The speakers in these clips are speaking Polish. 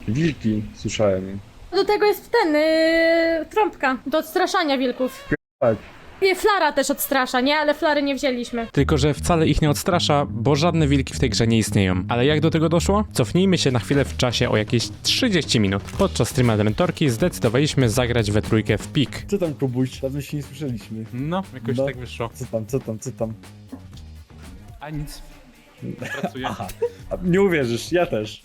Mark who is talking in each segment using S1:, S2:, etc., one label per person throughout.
S1: Wilki, słyszałem.
S2: Do tego jest ten, trąbka, do odstraszania wilków.
S1: Tak.
S2: I flara też odstrasza, nie? Ale flary nie wzięliśmy.
S3: Tylko że wcale ich nie odstrasza, bo żadne wilki w tej grze nie istnieją. Ale jak do tego doszło? Cofnijmy się na chwilę w czasie o jakieś 30 minut. Podczas streama Dementorki zdecydowaliśmy zagrać we trójkę w pik.
S1: Co tam, Kubuś? Dawno się nie słyszeliśmy.
S3: No, jakoś
S1: No.
S3: tak wyszło.
S1: Co tam?
S3: A nic. Pracuję.
S1: Aha. A, nie uwierzysz, ja też.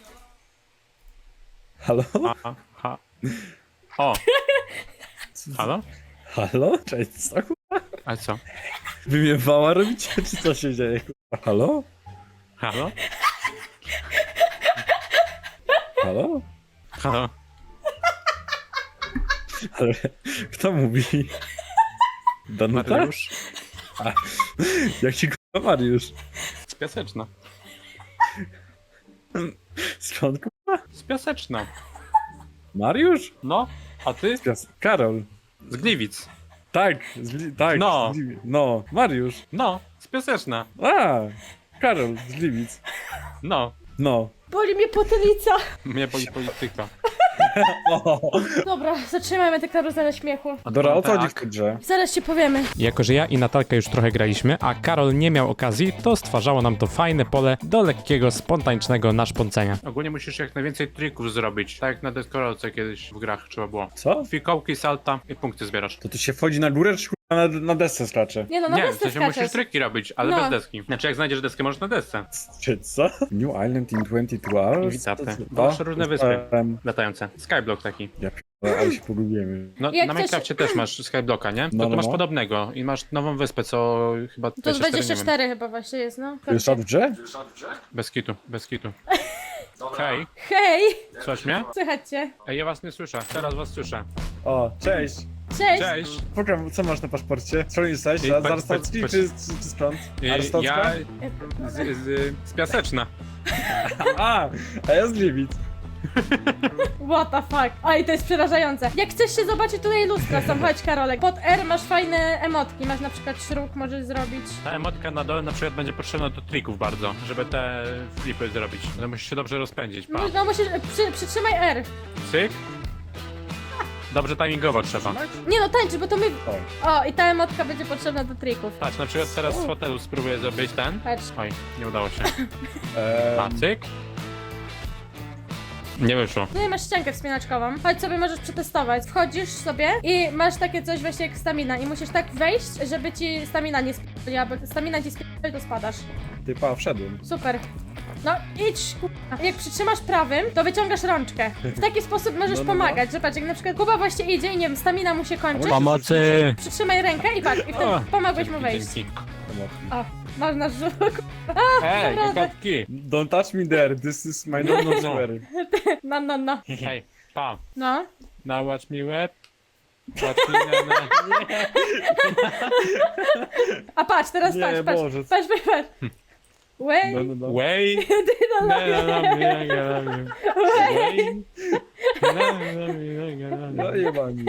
S1: Halo?
S3: Ha. O! Halo?
S1: Halo? Cześć, co?
S3: A co?
S1: Wy mnie wała robicie, czy co się dzieje? Halo?
S3: Halo?
S1: Halo?
S3: Halo?
S1: Ale kto mówi? Danuta?
S3: Mariusz?
S1: Jak ci kurwa Mariusz?
S3: Z Piaseczna.
S1: Skąd kurwa?
S3: Z Piaseczna.
S1: Mariusz?
S3: No, a ty?
S1: Karol.
S3: Z Gliwic.
S1: Tak, tak.
S3: No.
S1: No, Mariusz.
S3: No, z Piaseczna.
S1: A, Karol z Gliwic.
S3: No,
S1: No.
S2: Boli mnie potylica.
S3: mnie boli polityka.
S2: Dobra, zatrzymajmy tę karuzelę śmiechu.
S1: Dora, o co chodzi w
S3: tak.
S1: tej grze?
S2: Zaraz ci powiemy.
S3: Jako że ja i Natalka już trochę graliśmy, a Karol nie miał okazji, to stwarzało nam to fajne pole do lekkiego, spontanicznego naszpącenia. Ogólnie musisz jak najwięcej trików zrobić, tak jak na deskorolce kiedyś w grach trzeba było.
S1: Co?
S3: Fikołki, salta i punkty zbierasz.
S1: To tu się wchodzi na górę, czy kurwa na desce skacze?
S2: Nie no, na
S3: Nie,
S2: desce
S3: to się musisz
S2: skaczesz.
S3: triki robić, ale
S2: No.
S3: bez deski. Znaczy jak znajdziesz deskę, możesz na desce.
S1: Czy co? New Island in 22 hours?
S3: Witapy.
S1: To co?
S3: Masz różne wyspy.
S1: Em,
S3: Latające. Skyblock taki.
S1: Ja p***a, ale się pogubimy.
S3: No
S2: Jak
S3: na
S2: chcesz-
S3: Minecrafcie też masz Skyblocka, nie? To
S1: No,
S3: tu
S1: no,
S3: masz
S1: no.
S3: podobnego i masz nową wyspę, co chyba
S2: To
S3: 24, nie wiem.
S2: 24 chyba właśnie jest, no.
S1: To jest w grze?
S3: Bez kitu, bez kitu. Hej,
S2: Hej!
S3: słychać mnie?
S2: Słychać cię.
S3: Ej, ja was nie słyszę, teraz was słyszę.
S1: O, cześć.
S2: Cześć!
S3: Cześć!
S1: Program, co masz na paszporcie? Co jesteś?
S3: Ej,
S1: Arystocki
S3: patrz.
S1: czy skąd? Arystocka?
S3: Ja z Piaseczna.
S1: A ja z Gliwic.
S2: What the fuck? Oj, to jest przerażające. Jak chcesz się zobaczyć, tutaj lustra są, chodź Karolek. Pod R masz fajne emotki, masz na przykład szruk, możesz zrobić.
S3: Ta emotka na dole na przykład będzie potrzebna do trików bardzo, żeby te flipy zrobić. No musisz się dobrze rozpędzić, pa.
S2: No musisz, przytrzymaj R.
S3: Cyk. Dobrze timingowo trzeba.
S2: Nie no, tańczy, bo to my... O, i ta emotka będzie potrzebna do trików.
S3: Patrz, na przykład teraz z fotelu spróbuję zrobić ten.
S2: Patrz.
S3: Oj, nie udało się. A, cyk. Nie wyszło.
S2: Tutaj masz ściankę wspinaczkową. Chodź sobie, możesz przetestować. Wchodzisz sobie i masz takie coś właśnie jak stamina i musisz tak wejść, żeby ci stamina nie spadła, bo stamina ci spadła, to spadasz.
S1: Ty pa, wszedłem.
S2: Super. No idź, k***a. Jak przytrzymasz prawym, to wyciągasz rączkę. W taki sposób możesz
S1: No.
S2: pomagać, że patrz, jak na przykład Kuba właśnie idzie i nie wiem, stamina mu się kończy.
S3: Pomocy!
S2: Przytrzymaj rękę i patrz, i wtedy
S3: O,
S2: pomogłeś mu wejść.
S3: dzięki.
S2: O, masz nasz żółk.
S3: Ej,
S2: Naprawdę.
S3: kokotki!
S1: Don't touch me there, this is my no swear.
S2: No.
S3: Hej, pa.
S2: No.
S3: Now watch me web. Watch me na.
S2: A patrz, teraz
S1: Nie,
S2: patrz.
S1: Boże.
S2: Patrz. Wait.
S1: No.
S3: Way.
S2: No,
S1: No jebani.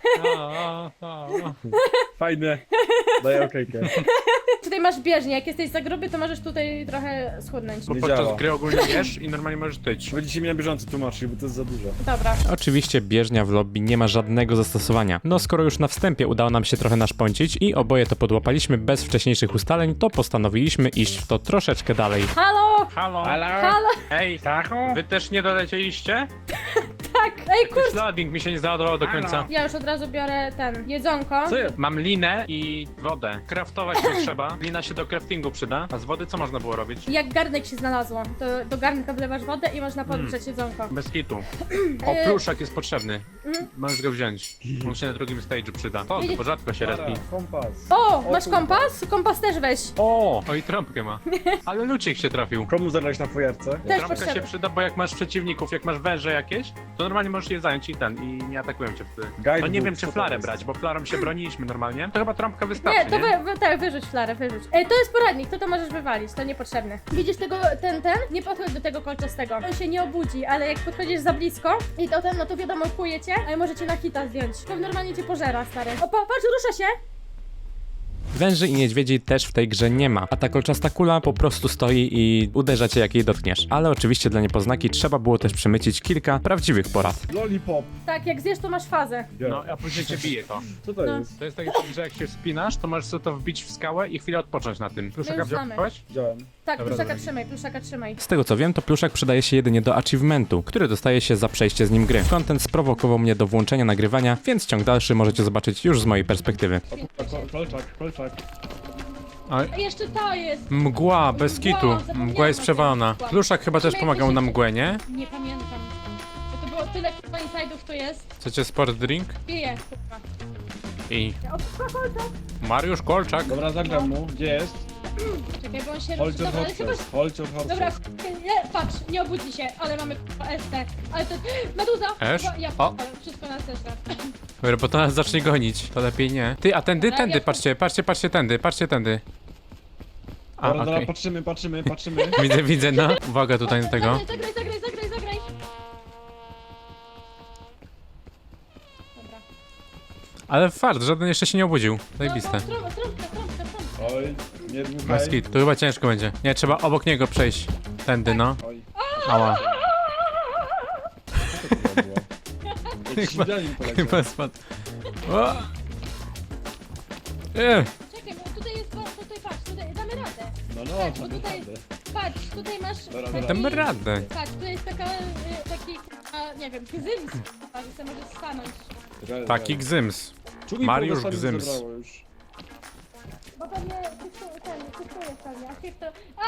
S1: Fajne. Daj okejkę.
S2: Tutaj masz bieżnię, jak jesteś za gruby, to możesz tutaj trochę schudnąć.
S3: Bo
S1: Nie
S3: podczas
S1: działa.
S3: gry ogólnie jesz i normalnie możesz tyć.
S1: Będziecie mi na bieżąco tłumaczyć, bo to jest za dużo.
S2: Dobra.
S3: Oczywiście bieżnia w lobby nie ma żadnego zastosowania. No skoro już na wstępie udało nam się trochę naszpącić i oboje to podłapaliśmy bez wcześniejszych ustaleń, to postanowiliśmy iść w to troszeczkę dalej.
S2: Halo!
S3: Halo?
S2: Halo!
S3: Ej, wy też nie dolecieliście?
S2: Tak! Ej,
S3: Też loading mi się nie załadował do końca.
S2: Ja już od razu biorę ten, jedzonko.
S1: Co jest?
S3: Mam linę i wodę. Craftować nie trzeba. Lina się do craftingu przyda. A z wody co można było robić?
S2: Jak garnek się znalazło, to do garnka wlewasz wodę i można podgrzać jedzonko.
S3: Bez kitu. O, pluszak jest potrzebny. Możesz go wziąć. On się na drugim stage'u przyda. O, to rzadko się respi.
S1: Kompas.
S2: O, masz
S1: kurwa.
S2: kompas? Kompas też weź.
S3: O, i trąbkę ma. Ale lucik się trafił.
S1: Komu zagrać na fojerce?
S2: Też
S3: Trąbka
S2: potrzebny.
S3: się przyda, bo jak masz przeciwników, jak masz węże jakieś, to normalnie możesz je zająć i nie atakują cię wtedy.
S1: Guidebook,
S3: No nie wiem, czy
S1: co to
S3: flarę
S1: jest?
S3: brać, bo flarą się broniliśmy normalnie. To chyba trąbka wystarczy,
S2: Nie, to
S3: nie?
S2: tak, wyrzuć flarę, wyrzuć. Ej, to jest poradnik, to możesz wywalić, to niepotrzebne. Widzisz tego, ten? Nie podchodź do tego kolczastego. On się nie obudzi, ale jak podchodzisz za blisko i to no to wiadomo, kuje cię, a może cię na hita zdjąć. To normalnie cię pożera, stary. O, patrz, rusza się!
S3: Węży i niedźwiedzi też w tej grze nie ma, a ta kolczasta kula po prostu stoi i uderza cię jak jej dotkniesz. Ale oczywiście dla niepoznaki trzeba było też przemycić kilka prawdziwych porad.
S1: Lollipop.
S2: Tak, jak zjesz, to masz fazę.
S3: No, a później cię bije to.
S1: Co to
S2: No.
S1: jest?
S3: To jest tak, że jak się wspinasz, to możesz sobie to wbić w skałę i chwilę odpocząć na tym. Pluszaka
S2: już znamy.
S3: wziąłeś?
S1: Widziałem.
S2: Tak,
S3: Dobra,
S2: pluszaka
S3: dobra.
S2: trzymaj.
S3: Z tego co wiem, to pluszak przydaje się jedynie do achievementu, który dostaje się za przejście z nim gry. Content sprowokował mnie do włączenia nagrywania, więc ciąg dalszy możecie zobaczyć już z mojej perspektywy.
S1: Kolczak.
S2: A jeszcze to jest.
S3: Mgła, bez
S2: Mgła,
S3: kitu.
S2: zapomniałam
S3: Mgła jest
S2: o tym.
S3: przewalona.
S2: Mgła.
S3: Pluszak chyba też
S2: Musimy
S3: pomagał na
S2: jakoś-
S3: mgłę, nie?
S2: Nie pamiętam. Bo to było tyle kurwa inside'ów tu jest.
S3: Chcecie sport drink?
S2: Piję, kurwa.
S3: I
S2: O, kolczak.
S3: Mariusz Kolczak.
S1: Dobra, zagram mu. Gdzie jest?
S2: Czekaj, bo on się
S1: Hold your
S2: Dobra, ale chyba...
S1: horses. Hold your horses.
S2: Dobra, nie, patrz, nie obudzi się, ale mamy kurwa ST. Ale to... Meduza!
S3: Esz?
S2: Kurwa, Ja
S3: O.
S2: ale wszystko nas zeszła.
S3: Dobra, bo to nas zacznie gonić. To lepiej nie. Ty, a tędy,
S2: Dobra,
S3: tędy,
S2: ja-
S3: patrzcie tędy. A,
S1: Dobra,
S3: okej.
S1: patrzymy.
S3: Widzę, no. Uwaga tutaj na tego.
S2: Zagraj. Dobra.
S3: Ale fart, żaden jeszcze się nie obudził. Zajebiste.
S2: No, trąbka.
S1: Oj, nie dmuchaj.
S3: Maski, to chyba ciężko będzie. Nie, trzeba obok niego przejść. Tędy, no.
S1: Oj,
S3: Ała.
S1: co to było? Jak śmiglanin poleciał.
S3: Chyba spadł. O!
S2: Czekaj, bo tutaj jest... Tutaj patrz, tutaj damy radę.
S1: No,
S2: Tak, bo
S1: to
S2: tutaj...
S1: naprawdę.
S2: Patrz, tutaj masz...
S1: Dobra,
S2: taki-
S3: Damy radę.
S2: Patrz, tu jest taki, nie wiem, gzyms, że sobie możesz stanąć.
S3: Taki gzyms.
S1: Czugi
S3: Mariusz
S1: połosami
S3: Gzyms.
S1: zebrało już.
S2: Bo pewnie cyfrujesz pewnie, a się to...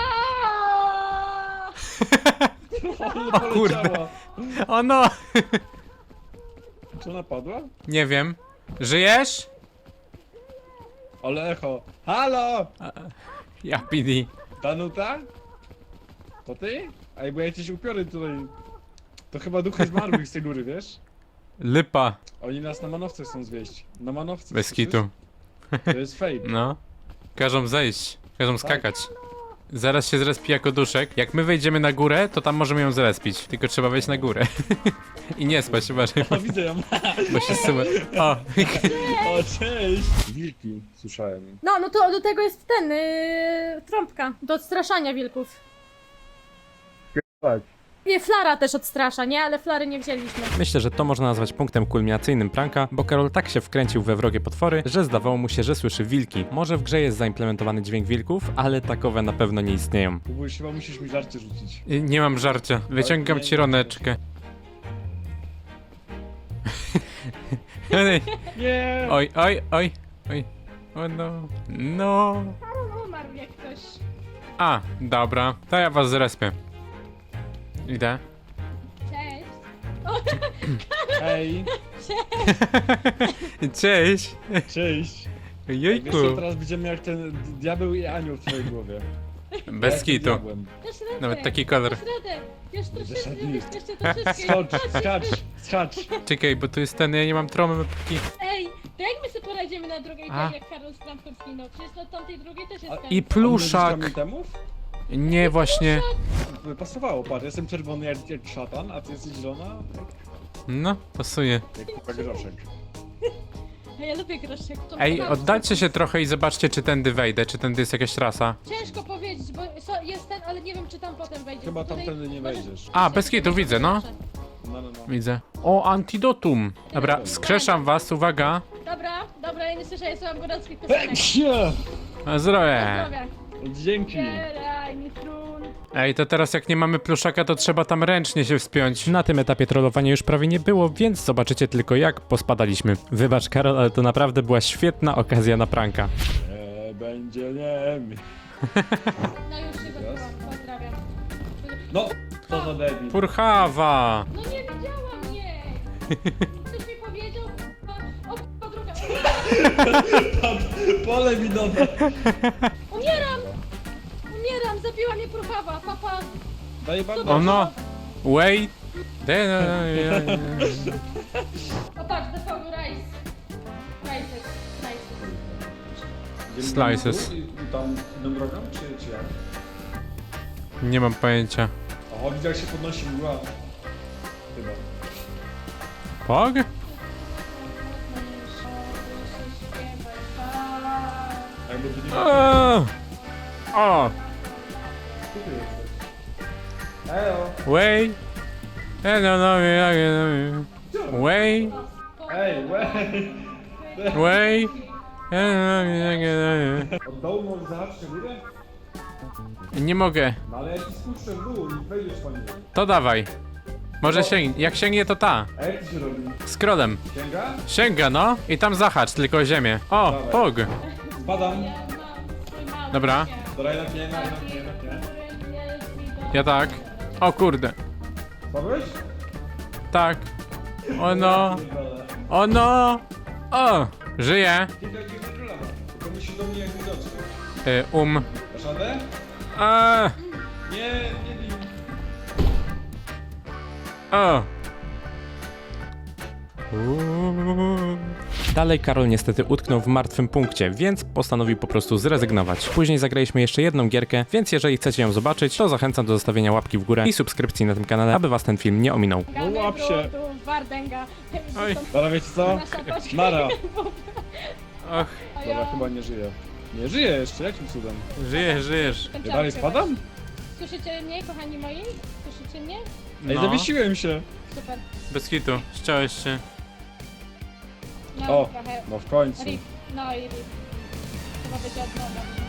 S2: Aaaa!
S1: O
S3: kurde. O no!
S1: Czy ona padła?
S3: Nie wiem. Żyjesz?
S1: Ale echo. Halo!
S3: Ja PD.
S1: Danuta? To ty? Ej, bo jakieś upiory tutaj. To chyba duchy zmarłych z tej góry, wiesz?
S3: Lipa.
S1: Oni nas na manowce chcą zwieść. Na manowce.
S3: Bez
S1: słyszysz?
S3: kitu.
S1: To jest fake.
S3: No. Każą zejść. Każą skakać. Zaraz się zrespi jako duszek. Jak my wejdziemy na górę, to tam możemy ją zrespić. Tylko trzeba wejść na górę. I nie spać, uważaj,
S1: O, widzę ją.
S3: bo się zsuwa. O!
S1: O, cześć! Wilki, słyszałem.
S2: No to do tego jest ten, trąbka, do odstraszania wilków.
S1: Tak.
S2: I flara też odstrasza, nie? Ale flary nie wzięliśmy.
S3: Myślę, że to można nazwać punktem kulminacyjnym pranka, bo Karol tak się wkręcił we wrogie potwory, że zdawało mu się, że słyszy wilki. Może w grze jest zaimplementowany dźwięk wilków, ale takowe na pewno nie istnieją.
S1: Kubuś, chyba musisz mi żarcie rzucić.
S3: Nie mam żarcia. Wyciągam ci roneczkę.
S1: Nie!
S3: Oj. O no. No.
S2: Umarł jak ktoś.
S3: A, dobra. To ja was zrespię. Idę.
S2: Cześć.
S1: Ej,
S3: Cześć.
S1: cześć! Wiesz
S3: Jejku.
S1: co, teraz będziemy jak ten diabeł i anioł w twojej głowie.
S3: Bez
S1: Ja jestem
S3: kitu.
S1: diabłem.
S2: Dasz radę.
S3: Nawet taki kolor.
S2: Dasz radę. Już troszeczkę,
S1: Zasadnik.
S2: jeszcze troszeczkę.
S1: Skacz!
S3: Czekaj, bo tu jest ten, ja nie mam trąbki.
S2: Ej, to jak my sobie poradzimy na drugiej,
S3: A.
S2: tak jak Karol z trampką zginął? Przecież na tamtej drugiej też
S1: A-
S2: jest ten.
S3: I pluszak.
S1: On będzie temów?
S3: Nie, właśnie.
S1: Pasowało, patrz, jestem czerwony jak szatan, a ty jesteś zielona
S3: No, pasuje.
S1: jak kurwa groszek.
S2: A ja lubię groszek. To
S3: Ej,
S2: chyba-
S3: oddalcie się trochę i zobaczcie, czy tędy wejdę, czy tędy jest jakaś trasa.
S2: Ciężko powiedzieć, bo jest ten, ale nie wiem czy tam potem wejdzie.
S1: Chyba
S2: Tutaj
S1: tamtędy nie
S2: możesz-
S1: wejdziesz.
S3: A, bez kitu, widzę, no.
S1: No.
S3: Widzę. O, antidotum. Dobra, wskrzeszam was, uwaga.
S2: Dobra, ja nie słyszę, ja słucham gorąckich piosenek.
S3: Na zdrowie.
S2: Zdrowia.
S1: Dzięki!
S2: Zbieraj mi trun.
S3: Ej, to teraz jak nie mamy pluszaka, to trzeba tam ręcznie się wspiąć. Na tym etapie trollowania już prawie nie było, więc zobaczycie tylko jak pospadaliśmy. Wybacz Karol, ale to naprawdę była świetna okazja na pranka.
S1: Nie będzie nie.
S2: No już się gotowa, pozdrawiam.
S1: No, to za debil.
S3: Purchawa!
S2: No nie widziałam jej! Ktoś mi powiedział, o druga.
S1: Pole minowe!
S2: Umieram! Zabiła mnie purchawa, papa.
S1: Daj bandaż.
S3: O no! Wait!
S2: O patrz, the phone rice. Rices.
S3: Slices.
S1: I tam idą drogą, czy jak?
S3: Nie mam pojęcia.
S1: O, widzę jak się podnosi mgła. Chyba.
S3: Pog?
S1: Jak
S3: Way. Way.
S1: Ej, łej!
S3: Way.
S1: Od dołu możesz zahaczyć na górę?
S3: Nie mogę.
S1: No ale jak ci spuszczę w dół i wejdziesz po nim.
S3: To dawaj. Może sięgnie. Jak sięgnie, to ta.
S1: A jak to się robi?
S3: Scrollem.
S1: Sięga?
S3: Sięga, no. I tam zahacz tylko o ziemię. O,
S1: Dawaj.
S3: pog.
S1: Spadam.
S3: Dobra.
S1: Dobra, jednak nie, jednak nie.
S3: Ja tak. O kurde.
S1: Spadłeś?
S3: Tak. O no. O no. O. Żyję.
S1: Kilka króla ma. Tylko musisz do mnie jak widoczny. Dasz radę? Nie, nie bij.
S3: O. Dalej Karol niestety utknął w martwym punkcie, więc postanowił po prostu zrezygnować. Później zagraliśmy jeszcze jedną gierkę, więc jeżeli chcecie ją zobaczyć, to zachęcam do zostawienia łapki w górę i subskrypcji na tym kanale, aby was ten film nie ominął.
S1: No łap się.
S2: Wardęga.
S3: Oj.
S1: Dobra, wiecie co? Nara.
S3: Och,
S1: Dobra, chyba nie żyje. Nie żyje jeszcze, jakim cudem?
S3: żyjesz.
S1: Ja dalej spadam?
S2: Słyszycie mnie, kochani moi? Słyszycie mnie?
S1: Ej,
S3: No.
S1: zawiesiłem się.
S2: Super.
S3: Bez hitu, ściąłeś się.
S2: No
S1: O.
S2: trochę.
S1: No w końcu.
S2: Rip. No i rip. Chyba będzie od nowa.